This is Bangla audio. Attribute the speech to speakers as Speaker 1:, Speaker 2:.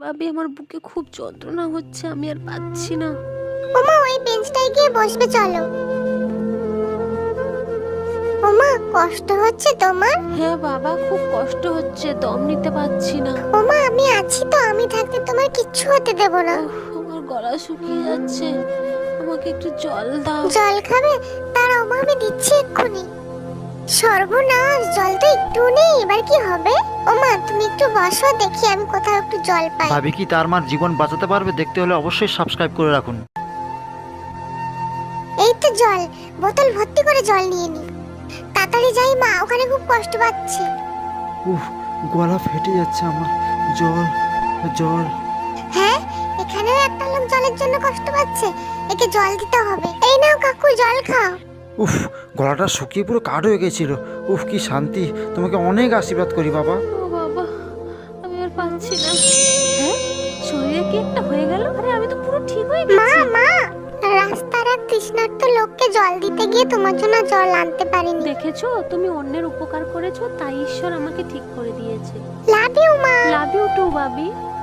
Speaker 1: ভাবি আমার বুকে খুব যন্ত্রণা হচ্ছে, আমি আর পাচ্ছি না।
Speaker 2: ওমা ওই বেঞ্চটায় গিয়ে বসবে চলো। ওমা কষ্ট হচ্ছে তোমার?
Speaker 1: হ্যাঁ বাবা, খুব কষ্ট হচ্ছে, দম নিতে পারছি না।
Speaker 2: ওমা আমি আছি তো, আমি থাকতে তোমার কিচ্ছু হতে দেব না।
Speaker 1: ওহ, আমার গলা শুকিয়ে যাচ্ছে, আমাকে একটু জল দাও।
Speaker 2: জল খাবে? দাঁড়াও মা, আমি দিচ্ছি এক্ষুনি। সর্বনাশ, জল তো একটু নেই, এবার কি হবে? ওমা তুমি একটু বসো, দেখি আমি কোথাও একটু জল পাই।
Speaker 3: ভাবি কি তার মার জীবন বাঁচাতে পারবে? দেখতে হলে অবশ্যই সাবস্ক্রাইব করে রাখুন।
Speaker 2: এই তো জল, বোতল ভর্তি করে জল নিয়ে নি। তাড়াতাড়ি যাই মা, ওখানে খুব কষ্ট পাচ্ছি।
Speaker 3: উফ, গলা ফেটে যাচ্ছে আমার। জল জল।
Speaker 2: হ্যাঁ, এখানেও একটা লোক জলের জন্য কষ্ট পাচ্ছে, একে জল দিতে হবে। এই নাও কাকু, জল খাও।
Speaker 3: উফ, গলাটা শুকিয়ে পুরো কাঠ হয়ে গেছিল। উফ, কি শান্তি! তোমাকে অনেক আশীর্বাদ করি বাবা।
Speaker 1: ও বাবা, আমি আর পাচ্ছি না। হ্যাঁ, শরীরে কি একটা হয়ে গেল? আরে আমি তো পুরো ঠিক হয়ে
Speaker 2: মা
Speaker 1: গেছি।
Speaker 2: মা, রাস্তার এক তৃষ্ণার্ত লোককে জল দিতে গিয়ে তোমার জন্য জল আনতে পারিনি।
Speaker 1: দেখেছো, তুমি অন্যের উপকার করেছো, তাই ঈশ্বর আমাকে ঠিক করে দিয়েছে।
Speaker 2: লাভ ইউ মা।
Speaker 1: লাভ ইউ টু ভাবি।